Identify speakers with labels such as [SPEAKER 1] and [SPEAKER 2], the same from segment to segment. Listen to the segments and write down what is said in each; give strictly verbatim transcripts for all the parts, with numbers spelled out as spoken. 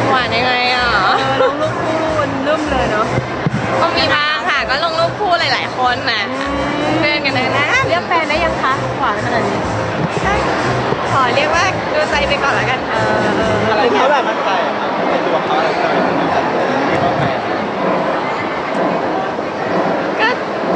[SPEAKER 1] หวานยังไงอ่ะ
[SPEAKER 2] ลงรูปคู่มันเริ่มเลยเนาะ
[SPEAKER 1] ก็มีบ้างค่ะก็ลงรูปคู่หลายๆคนนะเพื่อนกันเลยนะ
[SPEAKER 2] เรียกแฟนได้ยังคะหวานขนาดนี้
[SPEAKER 1] ขอเรียกว่าดูใจไปก่อนแล้วกัน
[SPEAKER 2] เออ
[SPEAKER 3] อะไรเขาแบบมั่นใจในตัวเขาอะไรเขาเป็นมั่นใจเรียกว่าแฟน
[SPEAKER 1] ก็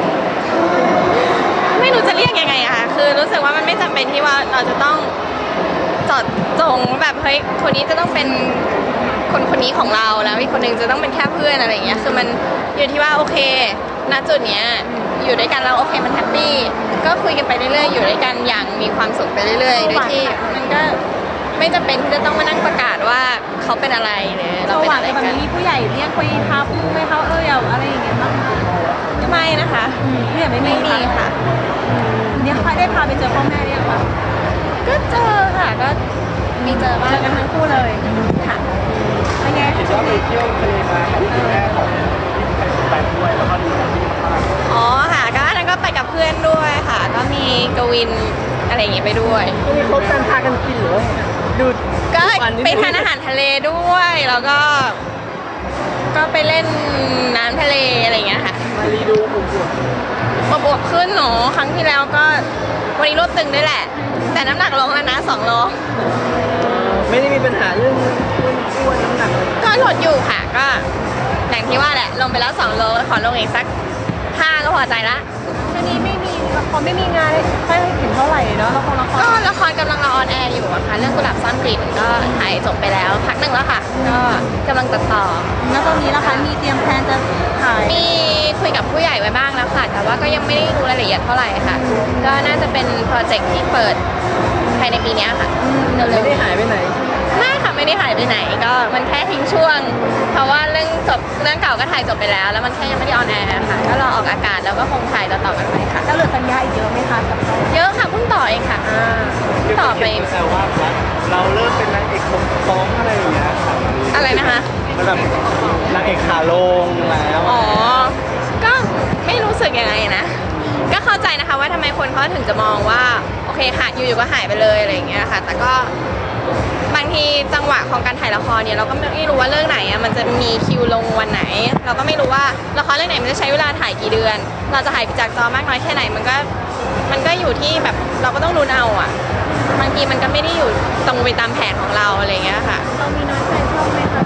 [SPEAKER 1] ไม่รู้จะเรียกยังไงอะค่ะคือรู้สึกว่ามันไม่จำเป็นที่ว่าเราจะต้องจอดจงแบบเฮ้ยคนนี้จะต้องเป็นคนคนนี้ของเราแล้วอีกคนนึงจะต้องเป็นแค่เพื่อนอะไรอย่างเงี้ยคือมันอยู่ที่ว่าโอเคณจุดเนี้ยอยู่ด้วยกันแล้วโอเคมันแฮปปี้ก็คุยกันไปเรื่อยๆอยู่ด้วยกันอย่างมีความสุขไปเรื่อยๆโดยที่มันก็ไม่จำเป็นที่จะต้องมานั่งประกาศว่าเขาเป็นอะไรหรือเราเป็นอะไรกัน
[SPEAKER 2] มีผู้ใหญ่เรียกไปพาพูดไหมเขาเอออย่าอะไรอย่างเงี้ยบ้าง
[SPEAKER 1] ไม่นะคะ
[SPEAKER 2] เนี่ยไม่
[SPEAKER 1] ไม่มีค่ะ
[SPEAKER 2] เนี่ยใครได้พาไปเจอพ่อแม่เรียกว่า
[SPEAKER 1] ก็เจอค่ะก็มีเจอบ้าง
[SPEAKER 2] กันทั้งคู่เลย
[SPEAKER 1] ค่ะ
[SPEAKER 2] เป็นไง
[SPEAKER 3] เห็นว่าไปเที่ยวทะเลมากับคุณแม่ของที่ไปด้วยแล้วก็ดูที่มาก
[SPEAKER 1] อ๋อค่ะก็อันนั้นก็ไปกับเพื่อนด้วยค่ะก็มีกวินอะไรอย่างเงี้ยไปด้วย
[SPEAKER 3] มีครบกันพากันกินหรือดู
[SPEAKER 1] ก็ไปทานอาหารทะเลด้วยแล้วก็ก็ไปเล่นน้ำทะเลอะไรอย่างเงี้ยค่ะ
[SPEAKER 3] มารีดูอว
[SPEAKER 1] บวบขึ้นหนูครั้งที่แล้วก็วันนี้ลดตึงด้วยแหละแต่น้ำหนักลงแล้วนะสองโล
[SPEAKER 3] ไม่ได้มีปัญหาเรื่องอ้วนน้ำหนัก
[SPEAKER 1] ก็ลดอยู่ค่ะก็อย่างที่ว่าแหละลงไปแล้วสองโลขอลงอีกสักห้าก็พอใจละ
[SPEAKER 2] ช่วงนี้ไม่มีละครไม่มีงานให้เห็นเท่าไหร่เนาะละครละคร
[SPEAKER 1] ก็ละครกำลังออนแอร์อยู่อะค่ะเรื่องกุหลาบซ่อนกลิ่นก็ถ่ายจบไปแล้วพักหนึ่งแล้วค่ะก็กำลังตัดต่อ
[SPEAKER 2] แล้วตอนนี้ละคะมีเตรียมแพลนจะถ่าย
[SPEAKER 1] มีคุยกับผู้ใหญ่ไว้บ้างแล้วค่ะแต่ว่าก็ยังไม่ได้รู้รายละเอียดเท่าไหร่ค่ะก็น่าจะเป็นโปรเจกต์ที่เปิดภายในปีนี้ค่ะ
[SPEAKER 3] ไม่ได้หายไปไหน
[SPEAKER 1] ไม่ค่ะไม่ได้หายไปไหนก็มันแค่ทิ้งช่วงเพราะว่าเรื่องจบเรื่องเก่าก็ถ่ายจบไปแล้วแล้วมันแค่ยังไม่ได้ออนแอร์ค่ะก็รอออกอากาศแล้วก็คงถ่ายต่อๆกันไปค่ะ
[SPEAKER 2] แล้วเหลือสัญญาอีกเยอะไหมคะกับเขา
[SPEAKER 1] เยอะค่ะเพิ่งต่อเองค่ะต่อไป
[SPEAKER 3] แต่ว่าเราเริ่มเป็นนางเอกของฟ้องอะไรอย่างเงี้ยค่ะ
[SPEAKER 1] อะไรนะคะ
[SPEAKER 3] มันแบบนางเอกขาลงแล้ว
[SPEAKER 1] อ๋อก็ไม่รู้สึกยังไงนะก็เข้าใจนะคะว่าทำไมคนเขาถึงจะมองว่าโอเคค่ะอยู่ๆก็หายไปเลยอะไรอย่างเงี้ยค่ะแต่ก็บางทีจังหวะของการถ่ายละครเนี่ยเราก็ไม่รู้ว่าเรื่องไหนอ่ะมันจะมีคิวลงวันไหนเราก็ไม่รู้ว่าละครเรื่องไหนมันจะใช้เวลาถ่ายกี่เดือนเราจะถ่ายจากจอมากน้อยแค่ไหนมันก็มันก็อยู่ที่แบบเราก็ต้องรู้เอาอ่ะบางทีมันก็ไม่ได้อยู่ตรงไปตามแผนของเราอะไรอย่างเงี้ยค่ะ
[SPEAKER 2] เรามีน้อยใจช่องไหมคะ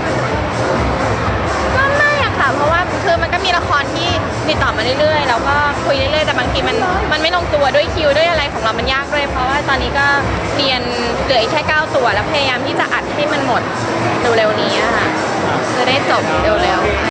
[SPEAKER 1] ก็ไม่อะค่ะเพราะว่าคือมันก็มีละครที่ติดต่อมาเรื่อยๆแล้วก็คุยเรื่อยๆแต่บางทีมันมันไม่ลงตัวด้วยคิวด้วยอะไรของเรามันยากเลยเพราะว่าตอนนี้ก็เรียนเหลืออีกแค่เก้าตัวแล้วพยายามที่จะอัดให้มันหมดเร็วๆนี้ค่ะจะได้จบเร็วๆ